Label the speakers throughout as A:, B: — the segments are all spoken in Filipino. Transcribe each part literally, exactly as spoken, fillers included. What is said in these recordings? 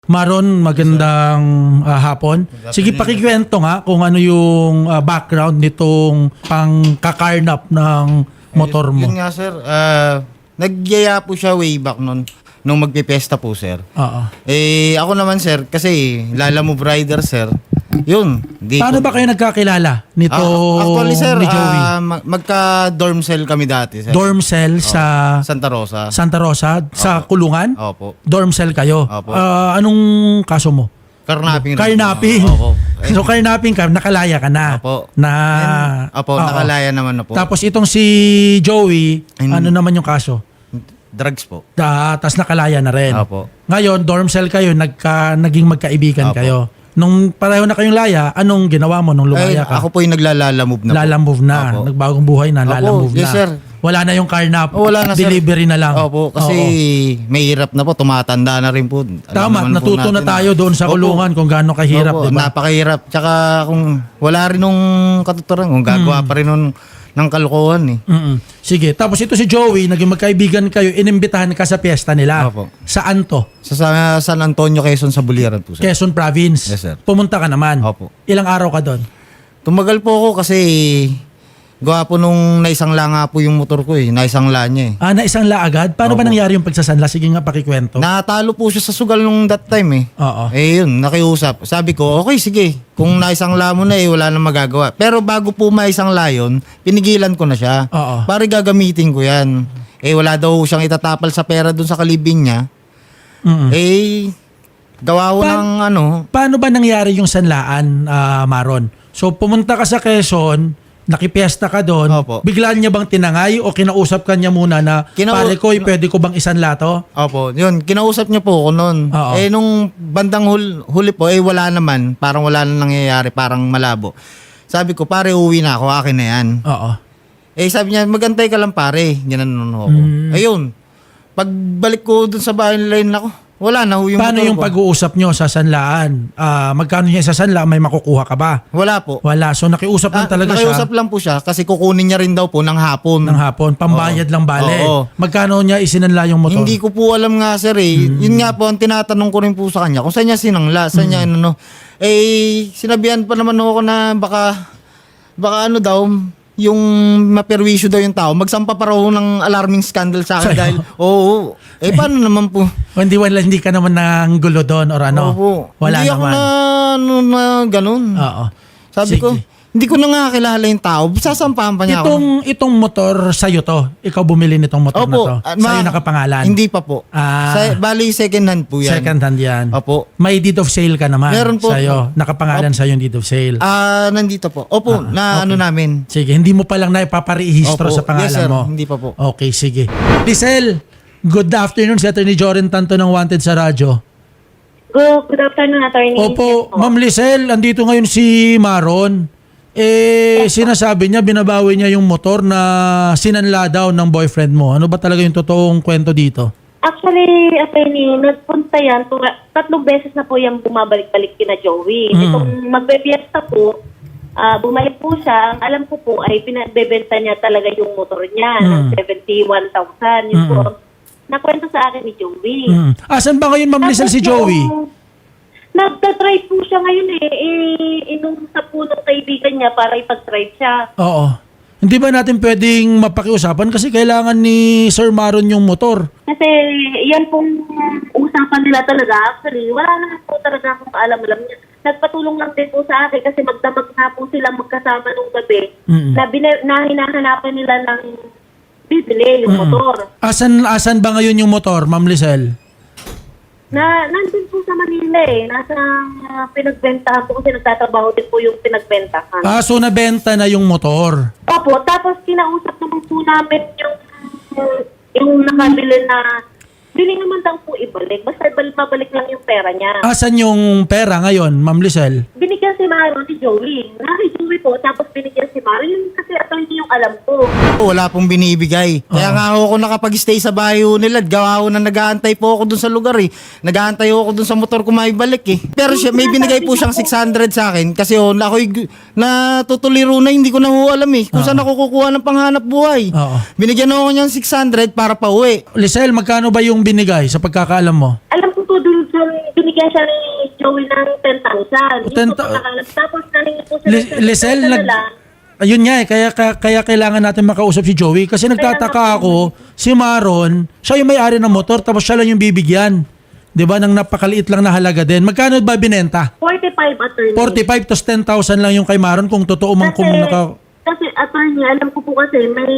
A: Maron, magandang ah, hapon. Sige, pakikwento nga kung ano yung ah, background nitong pangkakarnap ng motor mo.
B: Yun nga sir, ah, nagyaya po siya way back nun, nung magpipesta po sir.
A: Oo.
B: Eh ako naman sir, kasi Lala Move Rider sir, yun. Di
A: Paano
B: ko-
A: ba kayo nagkakilala nito
B: Ah, actually sir,
A: ni Joey?
B: ah, mag- magka-dorm cell kami dati sir.
A: Dorm cell sa
B: Santa Rosa.
A: Santa Rosa, sa kulungan?
B: Opo.
A: Dorm cell kayo?
B: Opo.
A: Ah, anong kaso mo?
B: Carnapping. rin.
A: Carnapping.
B: Opo. Eh,
A: So carnapping ka, nakalaya ka na.
B: Opo.
A: Na,
B: Then, opo,
A: Oo.
B: nakalaya naman na po.
A: Tapos itong si Joey,
B: And-
A: ano naman yung kaso?
B: Drugs po.
A: Da, tas nakalaya na rin.
B: Opo.
A: Ngayon, dorm cell kayo, nagka, naging magkaibigan
B: Opo.
A: kayo. Nung pareho na kayong laya, anong ginawa mo nung
B: Ay,
A: lumaya ka?
B: ako po yung naglalala move na po.
A: Lalamove na.
B: Opo.
A: Nagbagong buhay na,
B: Opo,
A: lalamove
B: yes,
A: na.
B: sir.
A: Wala na yung carnap.
B: Oh, wala na, sir.
A: Delivery na lang.
B: Opo, kasi
A: Oo.
B: may hirap na po, tumatanda na rin po. Alam
A: Tama,
B: naman po
A: natuto na
B: natin
A: tayo doon sa
B: Opo.
A: kulungan kung gaano kahirap,
B: Opo,
A: di ba?
B: napakahirap. Tsaka kung wala rin nung katuturan, kung gagawa
A: Hmm.
B: pa rin nun ng kalokohan eh.
A: Mm-mm. Sige, tapos ito si Joey, naging magkaibigan kayo, inimbitahan ka sa piyesta nila.
B: Opo.
A: Saan to?
B: Sa, sa San Antonio, Quezon, sa Buliran po sir.
A: Quezon Province.
B: Yes, sir.
A: Pumunta ka naman.
B: Opo.
A: Ilang araw ka doon?
B: Tumagal po ako kasi gawa po nung naisangla nga po yung motor ko eh. Naisangla niya eh.
A: Ah, na isang la agad? Paano ba
B: Opo.
A: nangyari yung pagsasanla? Sige nga, pakikwento.
B: Natalo po siya sa sugal nung that time eh.
A: Oo.
B: Eh yun, nakiusap. Sabi ko, okay sige, kung naisangla mo na eh, wala nang magagawa. Pero bago po maisangla yun, pinigilan ko na siya.
A: Oo.
B: Pare gagamitin ko yan. Eh wala daw siyang itatapal sa pera dun sa kalibing niya.
A: Mm-mm.
B: Eh, gawa ko
A: Pa-
B: ng ano,
A: Paano ba nangyari yung sanlaan, ah, Maron? So, pumunta ka sa Quezon, nakipiesta ka doon,
B: Opo.
A: biglaan niya bang tinangay o kinausap ka niya muna na,
B: Kinau-
A: pare ko, pwede ko bang isanla to?
B: opo, yun, kinausap niya po ako noon.
A: Oo.
B: Eh nung bandang hul- huli po, eh wala naman, parang wala nang nangyayari, parang malabo. Sabi ko, pare uwi na ako, akin na yan.
A: Oo.
B: Eh sabi niya, magantay ka lang pare. Ginanon ako.
A: Mm.
B: Ayun. Pagbalik ko dun sa bahay nila yun ako, wala na ho yung
A: Paano
B: motor
A: yung
B: ko.
A: pag-uusap nyo sa sanlaan? Ah, magkano niya sa sanla, may makukuha ka ba?
B: Wala po.
A: Wala. So, nakiusap lang
B: Ah,
A: talaga
B: nakiusap
A: siya
B: lang po siya kasi kukunin niya rin daw po ng hapon.
A: ng hapon. Pambayad
B: Oo.
A: lang bale.
B: Oo.
A: Magkano niya isinanla yung motor?
B: Hindi ko po alam nga sir eh.
A: Hmm.
B: Yun nga po ang tinatanong ko rin po sa kanya kung saan niya sinangla, saan niya
A: Hmm.
B: ano no. Eh sinabihan pa naman ako na baka baka ano daw yung maperwisyo daw yung tao. Magsampa pa raw ng alarming scandal sa akin
A: Sa'yo?
B: dahil oo. Eh paano naman po?
A: O hindi, wala, hindi ka naman nang gulo doon or ano?
B: Opo.
A: Wala
B: Hindi ako
A: naman.
B: na, ano, na ganun.
A: Oo.
B: Sabi
A: Sige.
B: ko, hindi ko na nga kilala yung tao. Sasampahan pa niya ako.
A: Itong, itong motor sa'yo to, ikaw bumili nitong motor na to.
B: ah,
A: Sa'yo
B: ma-
A: nakapangalan.
B: Hindi pa po.
A: Ah.
B: Sa, bali, second hand po yan.
A: Second hand yan.
B: Opo.
A: May deed of sale ka naman
B: Meron po.
A: sa'yo. Nakapangalan sa'yo yung deed of sale.
B: Ah, nandito po. Opo,
A: Ah,
B: na
A: okay.
B: ano namin.
A: Sige, hindi mo pa lang na ipaparehistro
B: Opo.
A: sa pangalan
B: Yes, sir.
A: mo.
B: Hindi pa po.
A: Okay, sige. Lizelle, good afternoon. Si Attorney Joren Tanto ng Wanted sa radyo.
C: Good, good afternoon, attorney.
A: Opo, Ma'am Lizelle, andito ngayon si Maron. Eh, sinasabi niya, binabawi niya yung motor na sinanla daw ng boyfriend mo. Ano ba talaga yung totoong kwento dito?
C: Actually, attorney, nagpunta yan. Tura- tatlong beses na po yung bumabalik-balik kina Joey.
A: Mm.
C: Itong magbe-fiesta po, ah, bumalik po siya. Ang alam ko po ay pinagbebenta niya talaga yung motor niya ng
A: Mm.
C: seventy-one thousand. Yun
A: Mm.
C: po, nakwento sa akin ni Joey.
A: Hmm. Asan ba ngayon, Ma'am Lizelle, si Joey?
C: yung- Nagta-drive po siya ngayon eh. eh inusap po ng kaibigan niya para ipag-drive siya.
A: Oo. Hindi ba natin pwedeng mapakiusapan kasi kailangan ni Sir Maron yung motor?
C: Kasi yan pong usapan nila talaga. Actually, wala naman po talaga akong alam-alam niya. Nagpatulong lang din po sa akin kasi magdamag na po sila magkasama nung gabi
A: Mm-mm.
C: na, bina- na hinahanapan nila ng bibili yung motor.
A: Asan asan ba ngayon yung motor, Ma'am Lizelle?
C: Na nandun po sa Manila eh. Nasa uh, pinagbentahan po kasi nagtatrabaho din po yung pinagbentahan.
A: Ah, so nabenta na yung motor.
C: Opo, tapos kinausap naman po namin yung yung nakabili na bili naman daw po ibalik. Basta ibalik, mabalik lang yung pera niya.
A: Asan yung pera ngayon, Ma'am Lizelle?
C: Binigyan si Maro ni Joey. Na kay Joey po, tapos binigyan si Maro. Yun kasi ito hindi yung alam ko.
B: Wala pong binibigay. Kaya
A: Oo.
B: nga ako nakapag-stay sa bahay ho nila. at Gawa ko na nag-aantay po ako dun sa lugar eh. Nag-aantay ako dun sa motor ko maibalik eh. Pero siya, may binigay po siyang six hundred sa akin kasi oh, ako'y gu- natutuliro na hindi ko na ho alam eh. Kung saan ako kukuha ng panghanap buhay.
A: Oo.
B: Binigyan ako niyang six hundred para pa uwi.
A: Lizelle, magkano ba yung binigay sa pagkakaalam mo?
C: Alam ko po dun siya, binigyan siya ni Joey ng ten thousand.
A: ten
C: Yun po
A: thou-
C: pagkakalas. Tapos nahingi po sila
A: Li-
C: sa
A: Lisel,
C: sa
A: nag...
C: nila.
A: Ayun nga eh, kaya, kaya, kaya kailangan natin makausap si Joey. Kasi nagtataka ako, si Maron, siya yung may-ari ng motor, tapos siya lang yung bibigyan. Di ba? Nang napakaliit lang na halaga din. Magkano ba binenta?
C: forty-five attorney.
A: forty-five to ten thousand lang yung kay Maron kung totoo mang
C: Kasi,
A: kung naka...
C: kasi attorney, alam ko po kasi may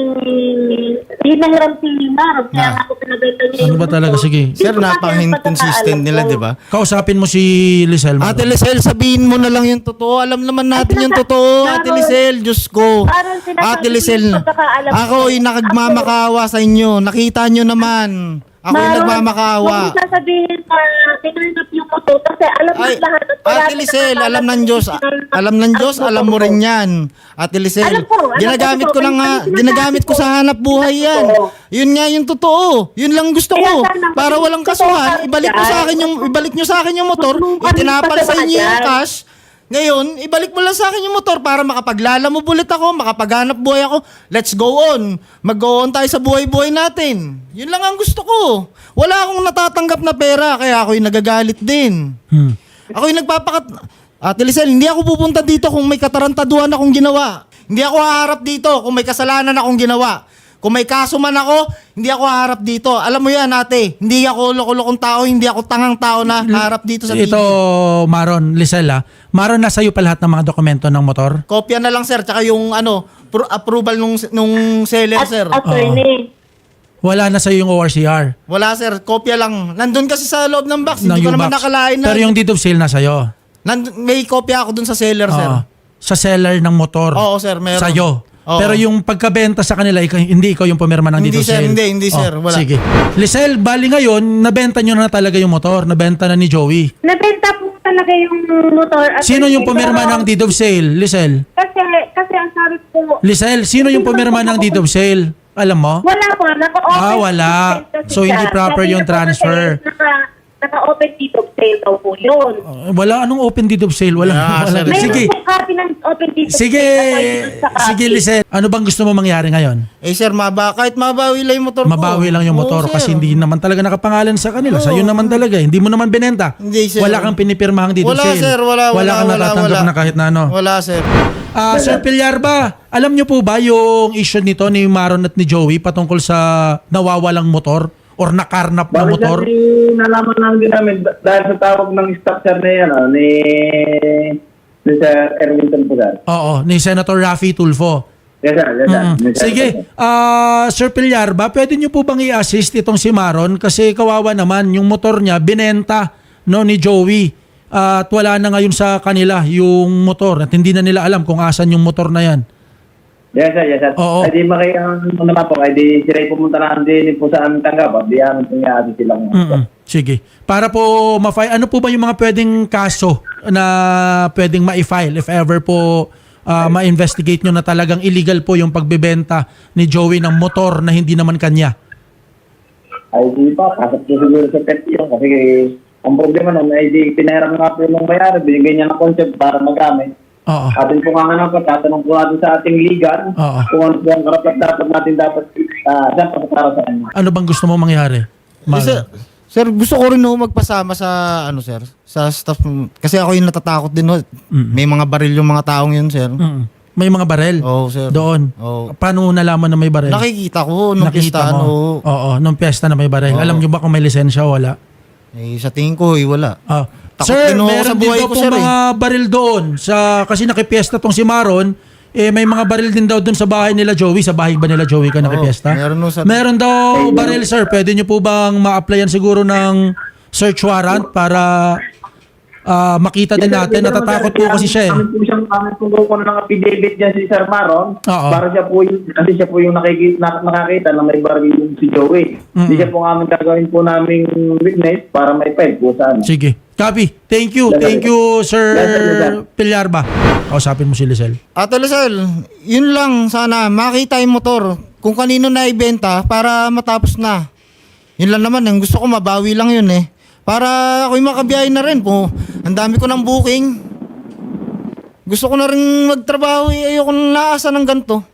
C: hinahiram si Maron. Kaya
A: Ah.
C: nga ako pinabenta niya
A: Ano ba
C: motor.
A: talaga? Sige.
C: Hindi
B: Sir,
C: ko kasi ang
B: napaka-inconsistent
C: pagkakaalam
B: nila,
C: ko.
B: di ba?
A: Kausapin mo si Lisel. Maron.
B: Ate Lisel, sabihin mo na lang yung totoo. Alam naman natin
C: Ay,
B: yung
C: sinasa-
B: totoo,
C: Maron.
B: Ate Lisel. Diyos ko.
C: Maron, sinasabi
B: Ate
C: ko
B: Lisel,
C: yung pagkakaalam ko.
B: ako ay nakagmamakawa sa inyo. Nakita nyo naman. Ako ay
C: Maron,
B: nagmamakawa.
C: huwag mo sasabihin na tinurnap yung motor kasi alam
B: Ay,
C: ng lahat. at wala
B: Ate
C: na
B: Lisel,
C: nakakaalam
B: alam ng
C: kung
B: Diyos,
C: tinurnap
B: alam ng Diyos,
C: ang
B: alam mo
C: motor
B: rin
C: ko.
B: yan. Ate Lisel,
C: Alam ko, alam
B: ginagamit
C: ko,
B: ko lang
C: pero
B: nga,
C: sinasabi
B: ginagamit ko
C: ko.
B: sa hanap buhay yan.
C: Oo.
B: Yun nga yung totoo. Yun lang gusto
C: Kaya
B: ko.
C: sana,
B: Para walang
C: totoo
B: kasuhan,
C: ka
B: ibalik mo
C: dyan.
B: sa akin yung, ibalik nyo sa akin yung motor,
C: Huwag mo
B: itinapal
C: kami
B: sa inyo yung
C: pasabayan.
B: cash. Ngayon, ibalik mo lang sa akin yung motor para makapaglala mo bulit ako, makapaghanap buhay ako. Let's go on. Mag-go on tayo sa buhay-buhay natin. Yun lang ang gusto ko. Wala akong natatanggap na pera, kaya ako'y nagagalit din.
A: Hmm.
B: Ako'y nagpapakat... Ate Lisel, hindi ako pupunta dito kung may katarantaduhan akong ginawa. Hindi ako haharap dito kung may kasalanan akong ginawa. Kung may kaso man ako, hindi ako haharap dito. Alam mo yan, ate. Hindi ako loko-lokong tao, hindi ako tangang tao na haharap dito sa T V.
A: Ito, Maron, Lisel ah. Maron, nasa iyo pa lahat ng mga dokumento ng motor?
B: Kopya na lang, sir. Tsaka yung ano, pro- approval nung, nung seller,
C: At,
B: sir.
C: attorney.
A: Wala na sa iyo yung O R C R.
B: Wala, sir. Kopya lang. Nandun kasi sa loob ng box.
A: ng
B: Hindi ko naman
A: U-Box.
B: nakalain na.
A: Pero yung deed of sale nasa iyo.
B: Nandun, may kopya ako dun sa seller, sir.
A: Oo. Sa seller ng motor.
B: Oo, sir. Meron.
A: Sa'yo.
B: Oo.
A: Pero yung pagkabenta sa kanila, ikaw- hindi ikaw yung pumirma ng
B: Hindi,
A: deed of
B: sir.
A: sale.
B: Hindi, hindi,
A: Oh,
B: sir. Wala.
A: Sige. Lisel, bali ngayon, nabenta nyo na talaga yung motor. Nabenta na ni Joey.
C: Nabenta po talaga yung motor. attorney,
A: Sino yung pumirma
C: pero-
A: ng deed of sale? Lisel.
C: Kasi, kasi ang sabi ko,
A: Lisel, sino yung pumirma ng deed of sale? Alam mo?
C: wala po, naka-open
A: Ah, wala.
C: deed of sale kasi
A: So, hindi
C: siya.
A: proper
C: Sabi
A: yung
C: niya po
A: transfer.
C: kasi Naka, naka-open deed of sale daw po yun.
A: Uh, wala. Anong open deed of sale? Wala.
B: Ah,
A: wala.
B: sir.
C: Mayroon
A: Sige.
C: po copy ng open deed of
A: Sige.
C: sale. Naka-yun sa copy.
A: Sige, Lisel. Ano bang gusto mo mangyari ngayon?
B: Eh, sir, maba, kahit mabawi lang yung motor ko.
A: Mabawi lang yung
B: Oo,
A: motor
B: sir.
A: kasi hindi naman talaga nakapangalan sa kanila.
B: Oo.
A: Sa'yo naman talaga. eh. Hindi mo naman binenta.
B: Hindi, sir.
A: Wala kang pinipirmahang deed of
B: Wala,
A: sale.
B: sir. Wala, wala,
A: kang
B: wala,
A: natatanggap
B: wala.
A: na kahit na ano.
B: Wala, sir.
A: Ah, Sir Pillarba, alam niyo po ba yung issue nito ni Maron at ni Joey patungkol sa nawawalang motor or nakarnap na
D: Bakit
A: motor?
D: sir, nalaman lang din namin dah- dahil sa tawag ng staff sir na yan, ah, ni, ni Sir Erwin Tulfo.
A: Oo, ni Senator Raffy Tulfo.
D: Yes sir, yes sir.
A: Mm.
D: Yes, sir.
A: Sige, ah Sir Pillarba, pwede niyo po bang i-assist itong si Maron kasi kawawa naman yung motor niya binenta no ni Joey. Ah, at wala na ngayon sa kanila yung motor at hindi na nila alam kung asan yung motor na yan.
D: Yes sir, yes sir.
A: Oo.
D: Ay di maki, ano naman po, ay di sila pumunta na din po sa aming tanggap, at di amin pangyaari silang.
A: Mm-mm. Sige. Para po ma-file, ano po ba yung mga pwedeng kaso na pwedeng ma-file if ever po ah, ma-investigate nyo na talagang illegal po yung pagbebenta ni Joey ng motor na hindi naman kanya?
D: Ay di pa, kasap po siguro sa pet yun, kasi ang problema nun ay di pinahiram nga po yung mayari, binigay niya ng concept para magamit.
A: Oo.
D: Atin po nga nga po, tatanong po natin sa ating ligan,
A: Oo.
D: kung ano po ang karapat dapat natin dapat uh, dapat para sa kanya.
A: Ano bang gusto mo mangyari?
B: Eh, sir,
A: Maron?
B: sir, gusto ko rin ho magpasama sa, ano, sir, sa staff. Kasi ako yung natatakot din ho. May mga baril yung mga taong yun, sir.
A: Mm. May mga barel
B: Oo, sir.
A: doon.
B: Oo.
A: Paano mo nalaman na may barel?
B: Nakikita ko nung
A: Nakita
B: pistahan
A: mo?
B: ho.
A: Oo, nung piyesta na may barel.
B: Oo.
A: Alam nyo ba kung may lisensya o wala?
B: Eh, sa tingin ko, eh, wala.
A: Ah.
B: Takot
A: Sir,
B: din ako
A: meron
B: sa
A: din
B: buhay
A: daw
B: ko,
A: pong
B: sir, eh.
A: mga baril doon. Sa, kasi nakipiesta tong si Maron, eh, may mga baril din daw doon sa bahay nila Joey. Sa bahay ba nila Joey ka nakipiesta?
B: meron no sa-
A: Meron daw baril, sir. Pwede nyo po bang ma-applyan siguro ng search warrant para ah, makita din natin? Natatakot po kasi siya eh.
D: Kami po siyang kami po ko ng affidavit niya si Sir Maron.
A: Oo.
D: Para siya po yung, kasi siya po yung nakikita, na, nakakita na may baril yung si Joey. Hindi siya po kami gagawin po naming witness para may file po sa ano.
A: Sige. Copy. Thank you. Thank you, Sir
D: Yes, sir, yes, sir.
A: Pillarba. Kausapin mo si Lisel.
B: Ate Lisel, yun lang sana, makita yung motor kung kanino na ibenta para matapos na. Yun lang naman, ang gusto ko mabawi lang yun eh. Para ako'y makabiyahe na rin po. Ang dami ko ng booking. Gusto ko na rin magtrabaho eh. Ayoko na naasa ng ganito.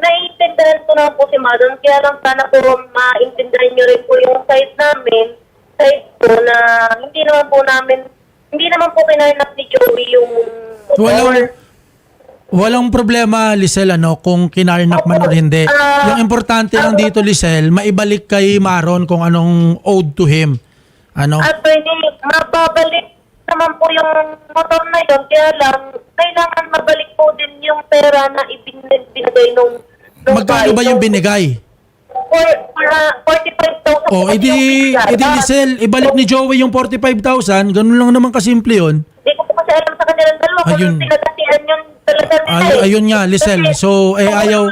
C: Naiintindihan ko na po si Madon, kaya lang sana po maintindihan niyo rin po yung side namin side po na hindi naman po namin, hindi naman po kinarnap ni Joey yung
A: Walang, walang problema, Lisel, ano, kung kinarnak man o hindi. Yung importante lang dito, Lisel, maibalik kay Maron kung anong owed to him. Ano?
C: attorney, mababalik naman po yung motor na yun. Kaya lang, kailangan mabalik po din yung pera na ibin- binigay nung, nung
A: Magkano ba yung binigay?
C: For, for, uh, forty-five thousand.
A: O, edi, edi Lisel, ibalik ni Joey yung forty-five thousand. Ganun lang naman kasimple yun.
C: Hindi ko po kasi alam sa kanilang dalawa kung
A: Ayun.
C: yung pinagkasihan yun talaga nila.
A: Ay,
C: eh.
A: ayun nga, Lisel.
C: Kasi-
A: So, eh, ayaw...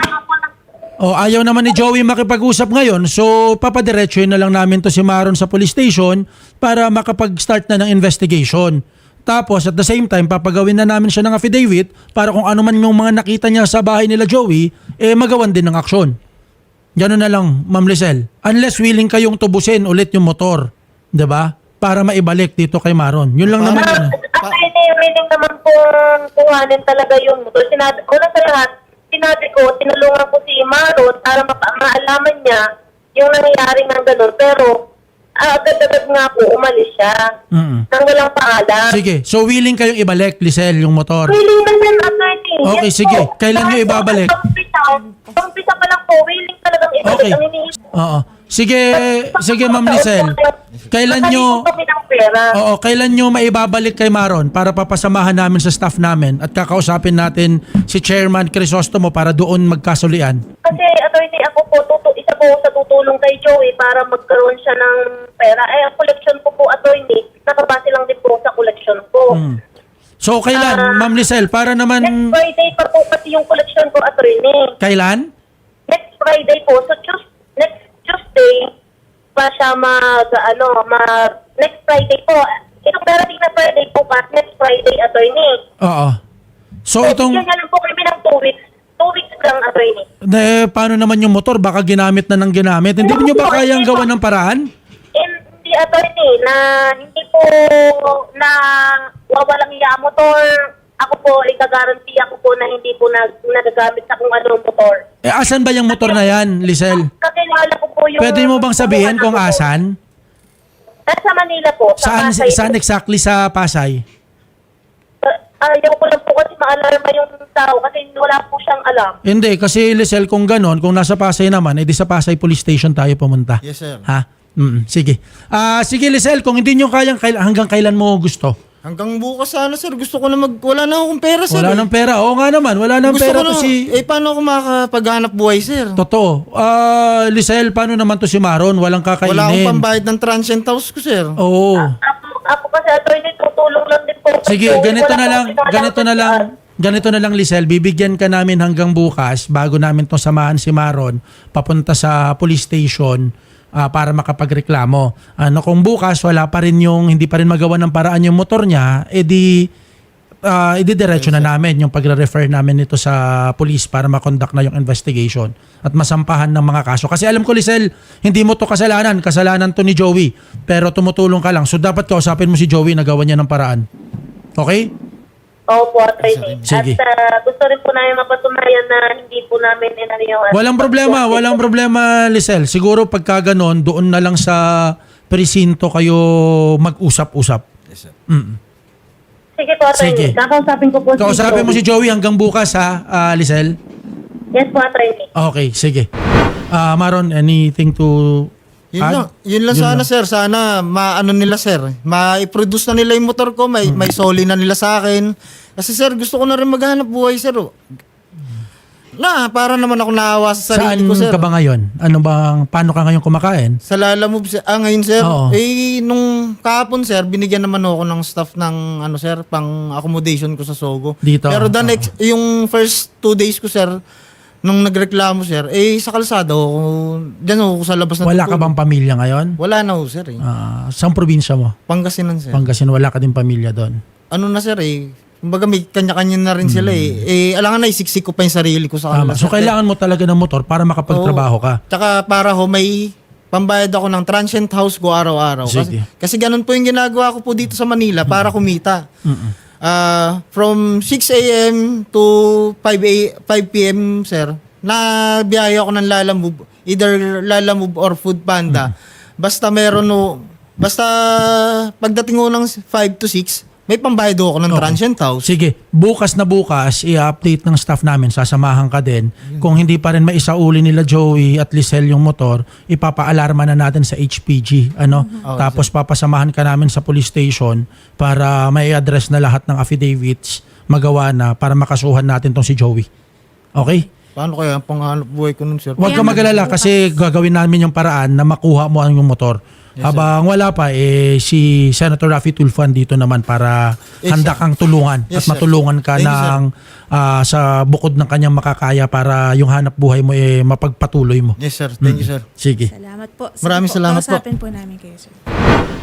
A: O, ayaw naman ni Joey makipag-usap ngayon. So, papadiretsuhin na lang namin to si Maron sa police station para makapag-start na ng investigation. Tapos, at the same time, papagawin na namin siya ng affidavit para kung ano man yung mga nakita niya sa bahay nila Joey, eh magawan din ng aksyon. Gano'n na lang, Ma'am Lisel. Unless willing kayong tubusin ulit yung motor. 'Di ba? Para maibalik dito kay Maron. Yun lang naman yun.
C: Actually, willing naman pong kuhanin talaga yung motor. Sinabi, una sa lahat, sinabi ko, tinulungan ko si Maron para mapa- maalaman niya yung nangyayari ng gano'n. Pero, ah, agad-agad nga po, umalis siya.
A: Mm-mm.
C: Nang walang paalam.
A: Sige. So, willing kayong ibalik, Lisel, yung motor.
C: Willing na yan, attorney.
A: Okay,
C: Yes
A: sige.
C: po.
A: Kailan niyo
C: Kahit
A: ibabalik?
C: po, Pampisa, pampisa pa lang po, willing talagang ibalik.
A: Okay.
C: Ang iniisip.
A: Oo. Sige, sige Ma'am Lisel. Kailan nyo...
C: Nakalimutan kami ng pera.
A: Oo, kailan nyo maibabalik kay Maron para papasamahan namin sa staff namin at kakausapin natin si Chairman Crisostomo para doon magkasulian?
C: Kasi, attorney, ako po, tutu- isa po sa tutulong kay Joey para magkaroon siya ng pera. Eh, ang collection ko po, attorney, nakabase lang din po sa collection ko.
A: Hmm. So, kailan, Ma'am Lisel, para
C: Next
A: naman...
C: Friday pa po kasi yung collection ko, attorney.
A: Kailan?
C: Next Friday po. So, Tues- next Tuesday pa siya mag, ano, mag, next Friday po. Itong darating na Friday po pa, next Friday, attorney.
A: Oo. So,
C: So,
A: itong...
C: bigyan niya lang po kami ng two weeks. Two weeks lang, attorney.
A: Eh, paano naman yung motor? Baka ginamit na ng ginamit. Hindi nyo ba kayang gawa ng paraan?
C: Hindi, attorney, na hindi po na wawalang iya ang motor. Ako po, ikagaranti ako po na hindi po nag, nagagamit sa kung anong motor.
A: Eh, asan ba yung motor na yan, Lisel?
C: Kakilala ko po yung...
A: Pwede mo bang sabihin kung
C: ano po.
A: asan?
C: Nasa Manila po. Sa
A: Saan,
C: Pasay.
A: saan exactly sa Pasay?
C: Uh, ayaw ko lang po kasi maalarma yung tao kasi wala po siyang alam.
A: Hindi, kasi Lisel, kung ganon, kung nasa Pasay naman, edi sa Pasay Police Station tayo pumunta.
B: Yes, sir.
A: Ha? Mm, sige. Ah, sige, Lisel, kung hindi nyo kayang, kail- hanggang kailan mo gusto?
B: Hanggang bukas sana, sir. Gusto ko na mag... Wala na akong pera, sir.
A: Wala
B: eh.
A: nang pera. Oo nga naman, wala nang
B: Gusto
A: pera
B: ko na,
A: to si...
B: eh, paano ako makakapaghanap buhay, sir?
A: Totoo. Ah, Lisel, paano naman to si Maron? Walang kakainin.
B: Wala akong pambayad ng transient house ko, sir.
A: Oo.
C: Ako, ako kasi attorney, tutulong lang din po.
A: Sige,
C: Kasi
A: ganito
C: wala
A: na
C: po
A: lang,
C: sinalang
A: ganito na lang, ganito na lang, Lisel, bibigyan ka namin hanggang bukas bago namin to samahan si Maron papunta sa police station ah, para makapagreklamo. Ano kung bukas wala pa rin yung hindi pa rin magawa ng paraan yung motor niya, edi uh, ididiretso na namin yung pagre-refer namin ito sa police para makonduct na yung investigation at masampahan ng mga kaso. Kasi alam ko, Lisel, hindi mo to kasalanan. Kasalanan to ni Joey. Pero tumutulong ka lang. So dapat kausapin mo si Joey na gawa niya ng paraan. Okay?
C: Opo, attorney.
A: Sige.
C: At ah, gusto rin po namin mapatunayan na hindi po namin inano yung...
A: Walang problema, walang problema, Lisel. Siguro pagka ganon, doon na lang sa presinto kayo mag-usap-usap.
B: Yes, sir.
A: Mm.
C: Sige po, attorney.
A: Sige.
C: Kakausapin ko po
A: Kausapin mo si
C: Joey.
A: Joey hanggang bukas ha, ah, Lisel.
C: Yes po, attorney.
A: Okay, sige. Ah, Maron, anything to
B: Yun
A: add?
B: lang, yun lang
A: Yun
B: sana,
A: lang.
B: sir. Sana maano nila, sir. Ma-produce na nila yung motor ko. May, may soli na nila sa akin. Kasi, sir, gusto ko na rin maghanap buhay, sir. Na, para naman ako naawa sa
A: Saan
B: sarili ko, sir.
A: ka ba ngayon? Ano bang, paano ka ngayon kumakain?
B: Sa Lala Move, sir. Ah, ngayon, sir.
A: Oo.
B: Eh, nung kahapon, sir, binigyan naman ako ng staff ng, ano, sir, pang accommodation ko sa Sogo.
A: Dito?
B: Pero the
A: Oo.
B: next, yung first two days ko, sir, nung nagreklamo, sir, eh, sa kalsada ako, dyan ako sa labas ng
A: Wala ka bang pamilya ngayon?
B: Wala na ako, sir, eh.
A: Ah, saan probinsya mo?
B: Pangasinan, sir.
A: Pangasinan, wala ka din pamilya doon.
B: ano na, sir, eh, kumbaga may kanya-kanya na rin sila, eh. Eh, alangan na, isiksik ko pa yung sarili ko sa
A: Tama.
B: kanila.
A: So,
B: sir.
A: kailangan mo talaga ng motor para makapagtrabaho ka.
B: Tsaka para ho, may pambayad ako ng transient house ko araw-araw. Kasi,
A: Sige.
B: kasi ganun po yung ginagawa ko po dito sa Manila para kumita.
A: Mm-mm.
B: Ah, from six a.m. to five p.m., sir, na biyahe ako ng Lala Move, either Lala Move or Food Panda. Basta meron no, Basta pagdating ko ng five to six, may pambayad ako ng
A: Okay.
B: transient house.
A: Sige, bukas na bukas, i-update ng staff namin, sasamahan ka din. Kung hindi pa rin maisauli nila Joey at Lisel yung motor, ipapa-alarma na natin sa H P G. Ano?
B: Okay,
A: Tapos papasamahan ka namin sa police station para may address na lahat ng affidavits magawa na para makasuhan natin tong si Joey. Okay?
B: Paano kaya ang panghanap buhay ko nun, sir?
A: Huwag ka magalala kasi gagawin namin yung paraan na makuha mo ang yung motor. Habang wala pa, eh, si Senator Raffy Tulfo dito naman para
B: Yes,
A: handa kang tulungan
B: Yes,
A: at
B: sir.
A: matulungan ka
B: Thank you, sir.
A: ng ah, sa bukod ng kanyang makakaya para yung hanap buhay mo eh, mapagpatuloy mo.
B: Yes, sir. Thank you, sir.
A: Sige.
E: Salamat po. Sige
B: Maraming
E: po,
B: salamat po.
E: kausapin po namin kayo, sir.